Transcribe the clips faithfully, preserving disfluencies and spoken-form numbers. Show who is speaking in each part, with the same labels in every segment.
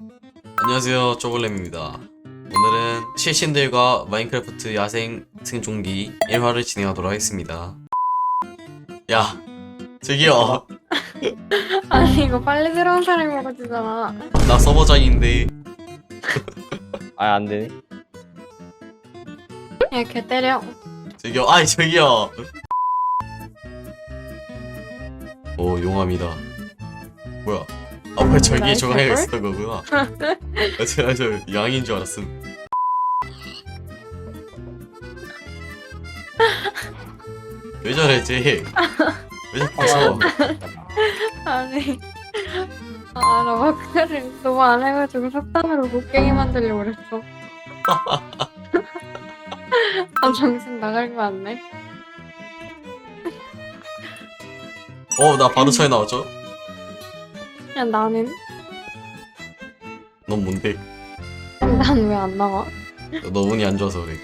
Speaker 1: 안녕하세요, 쪼글렘입니다. 오늘은 실신들과 마인크래프트 야생 생존기 일 화를 진행하도록 하겠습니다. 야, 저기요.
Speaker 2: 아니 이거 빨리 들어온 사람이 먹어주잖아.
Speaker 1: 나 서버장인데.
Speaker 3: 아 안되네.
Speaker 2: 야 걔 때려.
Speaker 1: 저기요, 아이 저기요. 오, 용암이다. 뭐야? 아, 뭐야, 저기에
Speaker 2: 나이스
Speaker 1: 조각이가
Speaker 2: 걸?
Speaker 1: 있었던 거구나. 아, 제가 저 양인 줄 알았음. 왜 저래, 쟤? 왜 자꾸 서?
Speaker 2: 아니 아나 마크를 너무 안 해가지고 석탄으로 곡괭이 만들려고 그랬어. 아 정신 나갈 거 같네.
Speaker 1: 어, 나 바로 차에 나왔죠?
Speaker 2: 야 나는
Speaker 1: 넌 뭔데?
Speaker 2: 난 왜 안 나와?
Speaker 1: 너 운이 안 좋아서 그래.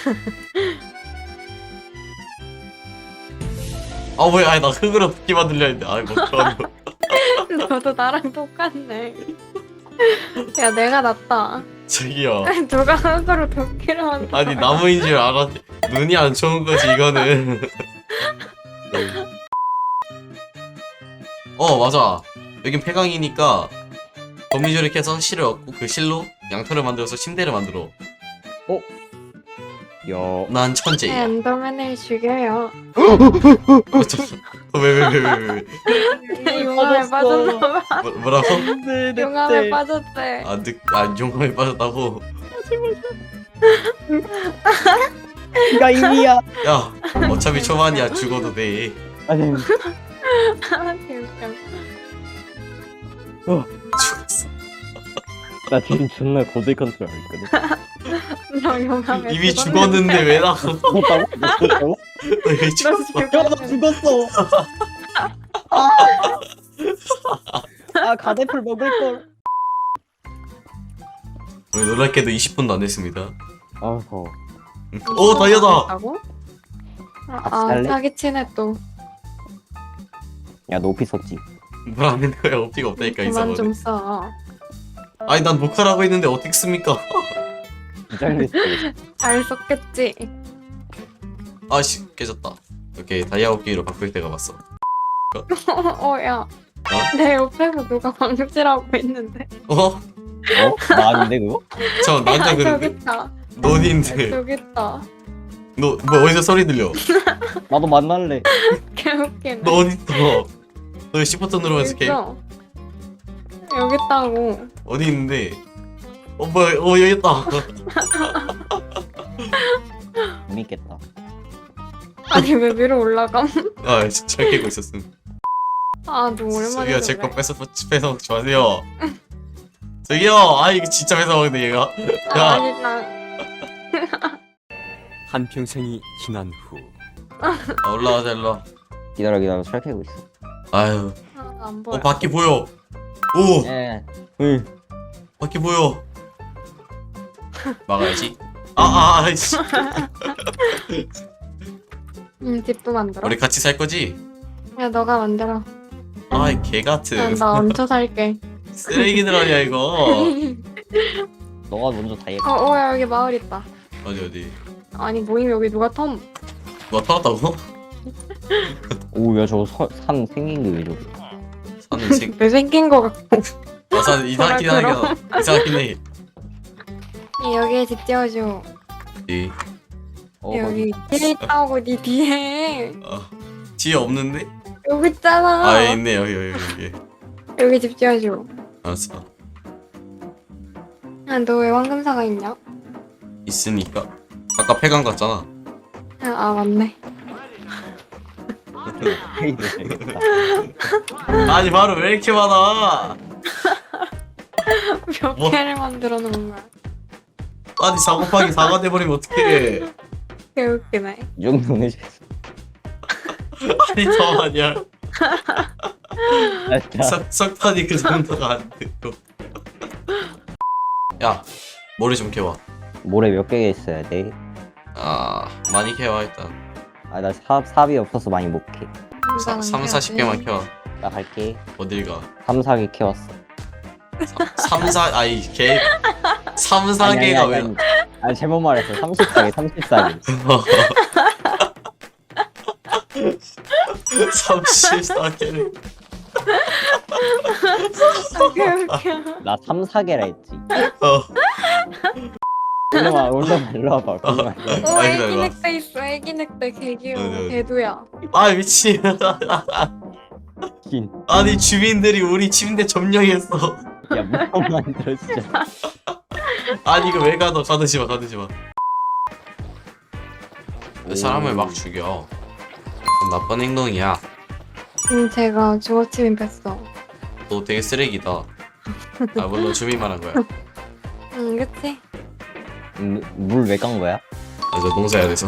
Speaker 1: 아, 뭐야, 아니, 나 흙으로 도끼 만들려 했는데. 아이, 뭐, 그런 거.
Speaker 2: 너도 나랑 똑같네. 야 내가 낫다.
Speaker 1: 저기요.
Speaker 2: 누가 흙으로 도끼를 만들어?
Speaker 1: 아니, 나무인 줄 알았지. 눈이 안 좋은 거지, 이거는. 어, 맞아. 여긴 폐광이니까 거미줄을 캐서 실을 얻고 그 실로 양털을 만들어서 침대를 만들어.
Speaker 3: 야.
Speaker 1: 난 천재야.
Speaker 2: 엔더맨을 죽여요.
Speaker 1: 왜, 왜, 왜, 왜, 왜, 왜.
Speaker 2: 용암에 빠졌나봐.
Speaker 1: 뭐, 뭐라고?
Speaker 2: 용암에 빠졌대.
Speaker 1: 아, 늑, 아, 용암에 빠졌다고?
Speaker 3: 가 이미야.
Speaker 1: 야, 어차피 초반이야. 죽어도 돼.
Speaker 3: 아니.
Speaker 2: 아 개웃겨.
Speaker 1: 죽었어.
Speaker 3: 나 지금 존나 고대 컨트롤 있거든.
Speaker 2: 너 용암에
Speaker 1: 이미
Speaker 2: 죽었는데.
Speaker 1: 죽었는데 왜 나가?
Speaker 3: 죽었다고? 너 죽었다고?
Speaker 1: 너 왜
Speaker 2: 너
Speaker 1: 죽었어?
Speaker 3: 야, 나 죽었어. 아, 아 가대풀 먹을 걸.
Speaker 1: 왜 놀랍게도 이십 분도 안 됐습니다.
Speaker 3: 아, 더워.
Speaker 1: 오, 다이아다!
Speaker 2: 다고? 아,
Speaker 3: 같이
Speaker 2: 아
Speaker 3: 살래?
Speaker 2: 사기치네 또.
Speaker 3: 야, 높이 썼지.
Speaker 1: 뭘 안 되는 거야? 어피가 없다니까, 이
Speaker 2: 그만
Speaker 1: 사람은.
Speaker 2: 좀 써.
Speaker 1: 아니, 난 녹화라고 했는데 어떻게 씁니까?
Speaker 3: 긴장됐어.
Speaker 2: 잘 썼겠지.
Speaker 1: 아씨, 깨졌다. 오케이, 다이아 호끼로 바꿀 때가 왔어.
Speaker 2: 어야. 내 옆에서 누가 광질하고 있는데.
Speaker 1: 어?
Speaker 3: 어? 나 아닌데 그거?
Speaker 1: 저 남자
Speaker 2: 야, 저기
Speaker 1: 그런데
Speaker 2: 있다.
Speaker 1: 너인데
Speaker 2: 저기 있다.
Speaker 1: 너 뭐 어디서 소리 들려?
Speaker 3: 나도 만날래.
Speaker 2: 개웃기네.
Speaker 1: 너 어디 있어? 너 시프트 누르면서 개
Speaker 2: 있어. 여기 있다고.
Speaker 1: 어디 있는데? 어 뭐야? 어 여기 있다.
Speaker 3: 재밌겠다.
Speaker 2: 아니 왜 위로 올라감?
Speaker 1: 아 진짜 깨고 있었음.
Speaker 2: 아 너 오랜만에.
Speaker 1: 저기요 제 거
Speaker 2: 그래.
Speaker 1: 뺏어 뺏어 먹지 마세요. 저기요 아 이거 진짜 뺏어 먹는데 얘가.
Speaker 2: 아,
Speaker 1: 야
Speaker 2: 아니 나.
Speaker 4: 한평생이 지난 후
Speaker 1: 아, 올라가자 일로. 와.
Speaker 3: 기다려 기다려 철 캐고 있어.
Speaker 1: 아유
Speaker 2: 아, 안 보여.
Speaker 1: 어 밖에 보여. 오
Speaker 3: 예. 응.
Speaker 1: 밖에 보여. 막아야지. 아아 아이씨.
Speaker 2: 응 집도 만들어.
Speaker 1: 우리 같이 살 거지?
Speaker 2: 야 너가 만들어.
Speaker 1: 아이 개 같은.
Speaker 2: 난 나 얹혀 살게.
Speaker 1: 쓰레기들 아니야 이거.
Speaker 3: 너가 먼저 다 해.
Speaker 2: 어, 오야 여기 마을 있다.
Speaker 1: 어디 어디.
Speaker 2: 아니 모임 여기 누가 텀?
Speaker 1: 누가 타왔다고?
Speaker 3: 오야 저거 서, 산 생긴 게 왜 저래?
Speaker 1: 사는 책.
Speaker 2: 왜 생긴 거 같고.
Speaker 1: 와사 이상하긴 하긴 이상하긴 해.
Speaker 2: 여기에 집 지어줘.
Speaker 1: 이
Speaker 3: 어,
Speaker 2: 여기 뒤에 있다고 니 뒤에.
Speaker 1: 어, 지혜 없는데?
Speaker 2: 여기 있잖아.
Speaker 1: 아 여기 있네 여기 여기 여기.
Speaker 2: 여기 집 지어줘.
Speaker 1: 알았어.
Speaker 2: 아, 너 왜 황금사가 있냐?
Speaker 1: 있으니까. 아까 폐강 갔잖아.
Speaker 2: 아, 아 맞네.
Speaker 3: 페이도 재밌다.
Speaker 1: 아니 바로 왜 이렇게 많아?
Speaker 2: 몇
Speaker 1: 뭐?
Speaker 2: 개를 만들어 놓은 거야.
Speaker 1: 아니 사 곱하기 사가 돼버리면 어떡해?
Speaker 2: 개웃기네.
Speaker 3: 이 정도는 해줘.
Speaker 1: 아니 더 아니야.
Speaker 3: 진짜.
Speaker 1: 석 석탄이 그 정도가 안 되고. 야 머리 좀 캐와.
Speaker 3: 모래 몇 개 있어야 돼?
Speaker 1: 아 많이 캐와 일단.
Speaker 3: 아나 삽 삽이 없어서 많이 못 캐.
Speaker 1: 삼, 사십 개만 캐와.
Speaker 3: 나 갈게.
Speaker 1: 어딜 가?
Speaker 3: 삼, 사 개 캐왔어.
Speaker 1: 삼, 사 아이 개 삼, 사
Speaker 3: 아니,
Speaker 1: 개가
Speaker 3: 아니,
Speaker 1: 왜
Speaker 3: 아니, 아니 잘못 말했어. 삼십사 개, 삼십사 개.
Speaker 1: 삼십사 개를
Speaker 2: 웃겨.
Speaker 3: 나 삼, 사 개라 했지.
Speaker 1: 어.
Speaker 3: 올라와, 올라와, 일로 와봐. 올라와, 일로 와봐.
Speaker 2: 오
Speaker 1: 아,
Speaker 2: 애기
Speaker 1: 기다려봐.
Speaker 2: 늑대 있어. 애기 늑대 개 귀여워.
Speaker 1: 네, 네.
Speaker 2: 개도야.
Speaker 1: 아 미친
Speaker 3: 긴.
Speaker 1: 아니 주민들이 우리 침대 점령했어
Speaker 3: 야, 무슨 만들어 진짜.
Speaker 1: 아니 이거 왜 가둬 가두지마 가두지마 사람을 막 죽여 그건 나쁜 행동이야
Speaker 2: 음 제가 주거침입 했어.
Speaker 1: 너 되게 쓰레기다 아 물론 주민 말한 거야
Speaker 2: 응 그치?
Speaker 3: 물 왜 깐 거야?
Speaker 1: 아 저 농사해야 돼서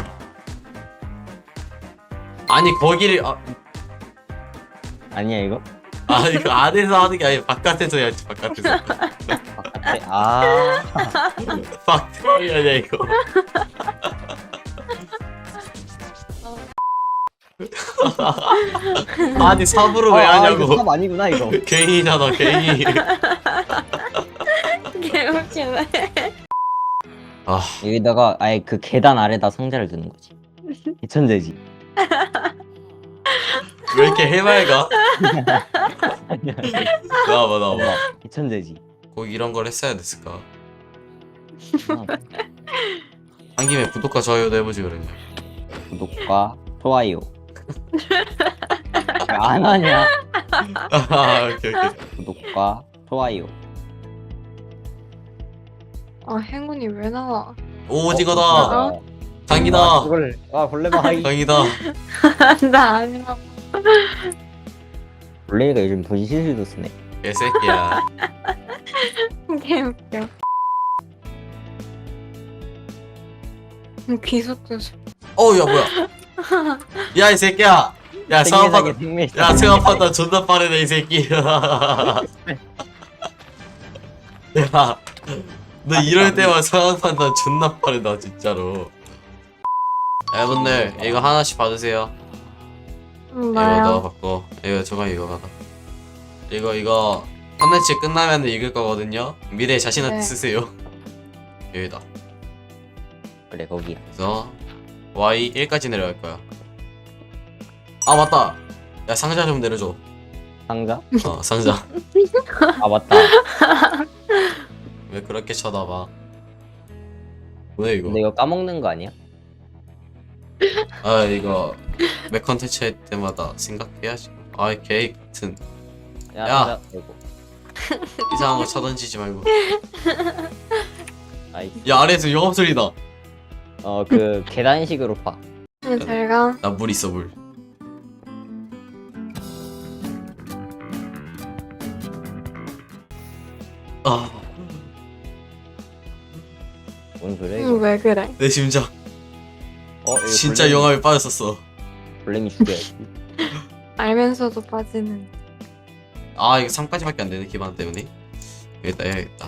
Speaker 1: 아니 거기를 아,
Speaker 3: 아니야 이거?
Speaker 1: 아 이거 안에서 하는 게 아니라 바깥에서 해야지 바깥에서
Speaker 3: 바깥에. 아.
Speaker 1: 바깥이 아니야 이거 아니 삽으로 왜
Speaker 3: 아, 아,
Speaker 1: 하냐고
Speaker 3: 이거 삽 아니구나 이거.
Speaker 1: 괭이잖아 괭이
Speaker 2: 개 웃기네.
Speaker 1: 아
Speaker 3: 여기다가 아예 그 계단 아래다 상자를 두는 거지. 개천재지.
Speaker 1: 왜 이렇게 해맑아? 나와봐 나와봐
Speaker 3: 개천재지.
Speaker 1: 꼭 이런 걸 했어야 됐을까 한 김에 구독과 좋아요도 해보지 그랬냐
Speaker 3: 구독과 좋아요. 왜 안 하냐?
Speaker 1: 아 오케이 오케이
Speaker 3: 구독과 좋아요.
Speaker 2: 아 행운이 왜 나와?
Speaker 1: 오 오징어다
Speaker 3: 어?
Speaker 1: 당기다
Speaker 3: 아, 그걸 아 벌레가 하이.
Speaker 1: 당기다
Speaker 2: 나 아니야.
Speaker 3: 벌레가 요즘 분신술도 쓰네.
Speaker 1: 개새끼야
Speaker 2: 개 웃겨. 음, 귀속도
Speaker 1: 어야 뭐야 야 이 새끼야 야
Speaker 3: 생리하게
Speaker 1: 생각보다
Speaker 3: 생리.
Speaker 1: 야 생각보다 존나 빠르네 이 새끼 야너 이럴 때만 상황 판단 존나 빠르다 진짜로 여러분들 이거 하나씩 받으세요
Speaker 2: 음,
Speaker 1: 이거
Speaker 2: 나야.
Speaker 1: 너 바꿔 이거 저거 이거 받아 이거 이거 컨텐츠 끝나면 읽을 거거든요 미래에 자신한테
Speaker 2: 네.
Speaker 1: 쓰세요 여기다
Speaker 3: 그래 거기.
Speaker 1: 그래서 와이 일까지 내려갈 거야 아 맞다 야 상자 좀 내려줘
Speaker 3: 상자?
Speaker 1: 어 상자
Speaker 3: 아 맞다.
Speaker 1: 왜 그렇게 쳐다봐 뭐야 이거
Speaker 3: 근데 이거 까먹는 거 아니야?
Speaker 1: 아 이거 매 컨텐츠 할 때마다 생각해야지 아이 개 같은
Speaker 3: 야.
Speaker 1: 야.
Speaker 3: 상자 이거.
Speaker 1: 이상한 거 쳐던지지 말고
Speaker 3: 아이.
Speaker 1: 야 아래에서 영업 소리다
Speaker 3: 어그 계단식으로 파.
Speaker 2: 응, 잘 가.
Speaker 1: 나 물 있어 물 아,
Speaker 3: 뭔 소리야 이거?
Speaker 2: 응, 왜 그래?
Speaker 1: 내 심장
Speaker 3: 어 이거
Speaker 1: 진짜
Speaker 3: 벌레미-
Speaker 1: 영암에 빠졌었어
Speaker 3: 벌레미 죽여야지.
Speaker 2: 알면서도 빠지는.
Speaker 1: 아 이거 삼까지밖에 안 되네 기반 때문에 여기다 해야겠다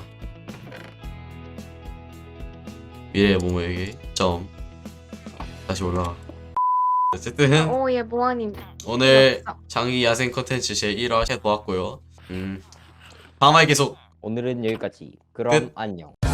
Speaker 1: 미래의 몸에게 점 다시 올라가 어쨌든
Speaker 2: 오, 얘 뭐하니?
Speaker 1: 오늘
Speaker 2: 없어.
Speaker 1: 장기 야생 컨텐츠 제일 화 해보았고요 음 다음화에 계속
Speaker 3: 오늘은 여기까지. 그럼
Speaker 1: 끝.
Speaker 3: 안녕.